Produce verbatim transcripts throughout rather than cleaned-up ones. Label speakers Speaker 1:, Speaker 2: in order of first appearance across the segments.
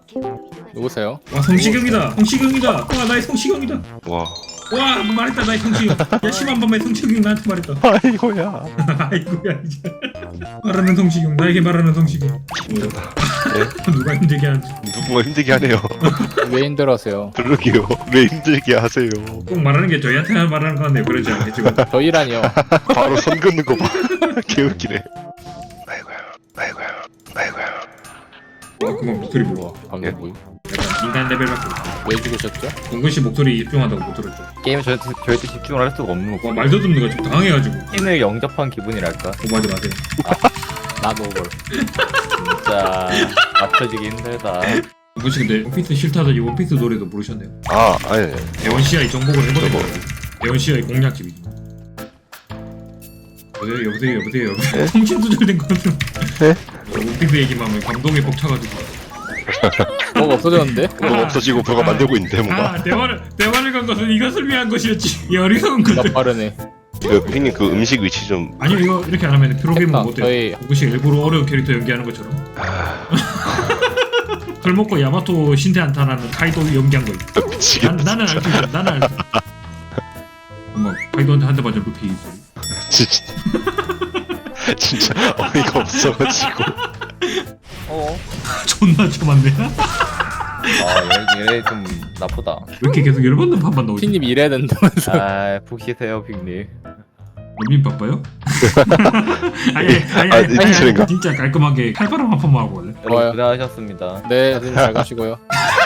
Speaker 1: 누구세요?
Speaker 2: 와 성시경이다. 성시경이다. 와 나의 성시경이다.
Speaker 3: 와.
Speaker 2: 와 말했다 나의 성시경. 야 심한 밤에 성시경이 나한테 말했다.
Speaker 3: 아이고야.
Speaker 2: 아이고야 이제 말하는 성시경 나에게 말하는 성시경.
Speaker 3: 힘들다.
Speaker 2: 누가 힘들게 하는지.
Speaker 3: 누군가 힘들게 하네요.
Speaker 1: 왜 힘들어하세요?
Speaker 3: 그러게요. 왜 힘들게 하세요?
Speaker 2: 꼭 말하는 게 저희한테만 말하는 거 같네요. 그러지 않겠지만.
Speaker 1: 저희라니요.
Speaker 3: 바로 선 긋는 거 봐. 개웃기네. 아이고야. 아이고야. 아이고야.
Speaker 2: 와 그만 목소리 불러.
Speaker 1: 방금 뭐임?
Speaker 2: 약간 인간 레벨밖에 없어.
Speaker 1: 왜 죽으셨죠?
Speaker 2: 동근씨 목소리 집중하다고 못 들었죠.
Speaker 4: 게임에 저희, 저희도 집중을 할 수가 없는
Speaker 2: 와
Speaker 4: 거고
Speaker 2: 말도 듣는 거 좀 당황해가지고.
Speaker 4: 핀을 영접한 기분이랄까.
Speaker 2: 오버하지 마세요.
Speaker 1: 나 노벌.
Speaker 4: 진짜 맞춰지기 힘들다.
Speaker 2: 동근씨 근데 원피스 싫다더니 원피스 노래도 부르셨네요.
Speaker 3: 아, 아니.
Speaker 2: 대원씨아이 정복을 해버리고 대원씨아이 공략집이죠. 여보세요 여보세요 여보세요 여보세요. 통신 두절된 거 같은.
Speaker 3: 네?
Speaker 2: 원피스 얘기만 하면 감동에 벅차가지고.
Speaker 1: 뭐가 없어졌는데?
Speaker 3: 뭐 없어지고 뭐가 만들고 있는데 뭔가.
Speaker 2: 아 대화를 대화를 간 것은 이것을 위한 것이었지. 이 어리석은
Speaker 1: 나
Speaker 2: 것들.
Speaker 1: 빠르네.
Speaker 3: 그 형님 그 음식 위치 좀.
Speaker 2: 아니요 이거 이렇게 안 하면 프로그램은
Speaker 1: 됐다,
Speaker 2: 못돼요.
Speaker 1: 저희-
Speaker 2: 동근씨 일부러 어려운 캐릭터 연기하는 것처럼.
Speaker 3: 아,
Speaker 2: 술 먹고 야마토 신세 한탄하는 카이도 연기한 거 있어. 난,
Speaker 3: 미치겠다.
Speaker 2: 나는 알수 있어. 나는 알수 있어. 엄마 카이도한테 한 대 맞은 루피 소리.
Speaker 3: 진짜. 진짜 어이가 없어가지고.
Speaker 4: 어?
Speaker 2: 존나 처맞네.
Speaker 4: 아, 얘, 얘 좀 나쁘다.
Speaker 2: 왜 이렇게 계속 열받는 판만 나오지?
Speaker 1: 피님 일해야 된다면서.
Speaker 4: 아, 푹 쉬세요, 빅님.
Speaker 2: 님 바빠요? 아니 아니
Speaker 3: 아,
Speaker 2: 아니, 아니,
Speaker 3: 진짜인가?
Speaker 2: 아니 진짜 깔끔하게 칼바람 한 판만 하고 올래?
Speaker 1: 좋아요.
Speaker 4: 여러분 고생하셨습니다.
Speaker 1: 네, 사진 잘 가시고요.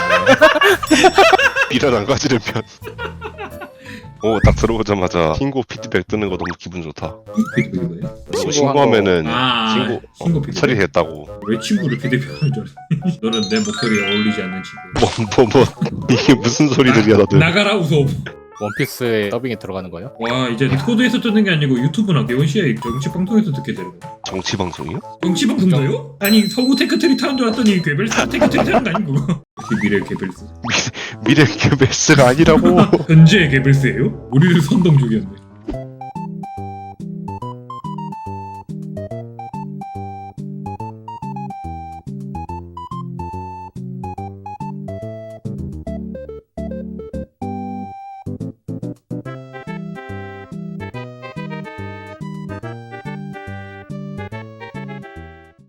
Speaker 3: 비란 안 가지는 편. 오, 딱 들어오자마자 신고 피드백 뜨는 거 너무 기분 좋다.
Speaker 2: 피드백이 뭐예요?
Speaker 3: 뭐
Speaker 1: 신고한
Speaker 3: 신고하면은
Speaker 2: 아
Speaker 3: 신고 어,
Speaker 2: 신고 피드백.
Speaker 3: 처리됐다고.
Speaker 2: 왜 친구를 피드백하는 줄 알았어? 너는 내 목소리에 어울리지 않는 친구.
Speaker 3: 뭐 뭐 뭐 이게 무슨 소리들이야 다들.
Speaker 2: 나가라 우소.
Speaker 1: 원피스에 더빙에 들어가는 거예요?
Speaker 2: 와 이제 디코드에서 듣는 게 아니고 유튜브나 대원시아의 정치 방송에서 듣게 되는 거야.
Speaker 3: 정치 방송이요?
Speaker 2: 정치 방송가요? 아니 서구 테크트리 타는 줄 알았더니 괴벨스 테크트리 타는 거 아니고. 역시 미래 괴벨스.
Speaker 3: 미래 개베스가 아니라고.
Speaker 2: 현재 괴벨스예요? 우리를 선동 중이었네.